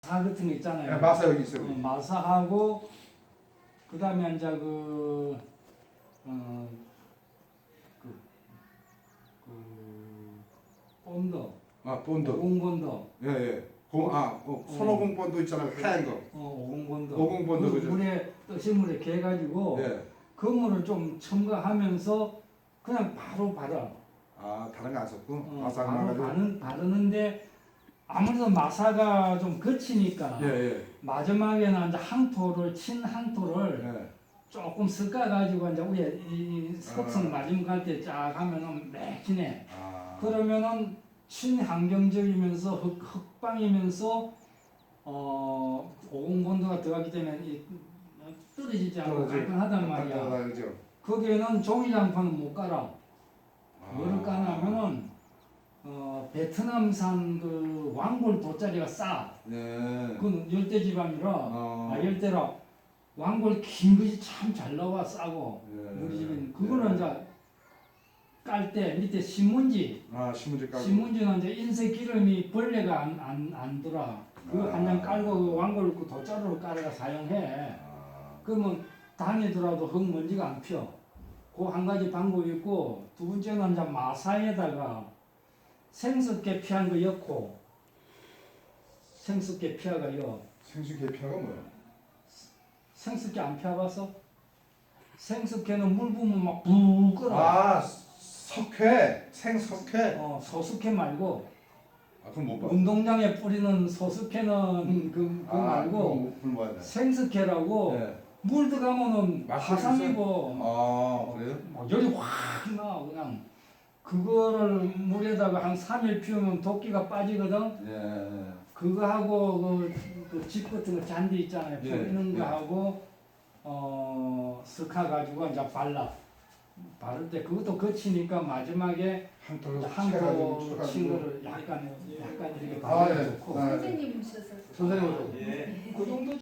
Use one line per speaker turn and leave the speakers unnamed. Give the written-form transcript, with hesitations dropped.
마사 같은 거 있잖아요.
네, 마사 여기 있어요.
마사하고 그다음에 이제 본드,
아 본드.
오공본드,
예예. 손오공 본드 있잖아요. 하얀 거.
오공본드.
오공본드,
그
그죠?
물에 뜨신 물에 개가지고
예.
그 물을 좀 첨가하면서 그냥 바로 발라.
아 다른 거 안 썼고 마사가
바로
나가지고.
바르는데 아무래도 마사가 좀 거치니까
예예.
마지막에는 이제 항토를 친 항토를
예.
조금 섞어가지고 이제 위에 이 속성
아.
마지막 갈 때 쫙 하면은 매진해.
아.
그러면은 친환경적이면서 흑방이면서 오공본도가 들어가기 때문에 떨어지지 않고 깔끔하단 말이야.
그죠.
거기에는 종이장판은 못 깔아.
아.
뭐를 까냐면은 베트남산 그 왕골 돗자리가 싸.
네.
그건 열대지방이라 열대라 왕골 긴 것이 참 잘 나와 싸고
예.
우리 집은 그거는 이제 깔 때 밑에 신문지
아 신문지 깔고.
신문지는 이제 인쇄 기름이 벌레가 안 들어. 그거 한 장 깔고 그 왕골 그 돗자루로 깔아가 사용해. 그러면 다니더라도 흙먼지가 안 피어. 그 한 가지 방법이 있고 두 번째는 이제 마사에다가 생수께 피한 거 넣고 생수께 피하가 넣어.
생수 계피화가 뭐야?
생수께 안 피워봤어? 생수께는 물 부으면 막 부 끓어.
아 석회 생석회.
소수께 말고
아 그럼 못 봐.
운동장에 뿌리는 소수께는 그거 말고
물 뭐야?
생수께라고
네.
물 들어가면은
맛이
화산이고
아 그래요?
막 열이 확 나. 그냥 그거를 물에다가 한 3일 피우면 도끼가 빠지거든.
예.
그거 하고 집 같은 거 잔디 있잖아요.
예,
뿌리는
예.
거 하고 슥하 가지고 이제 발라. 바를 때 그것도 거치니까 마지막에
한토
한토 친 거를 약간 이렇게
아,
바르면
예.
좋고.
아,
선생님 오셔서
선생님.
그 정도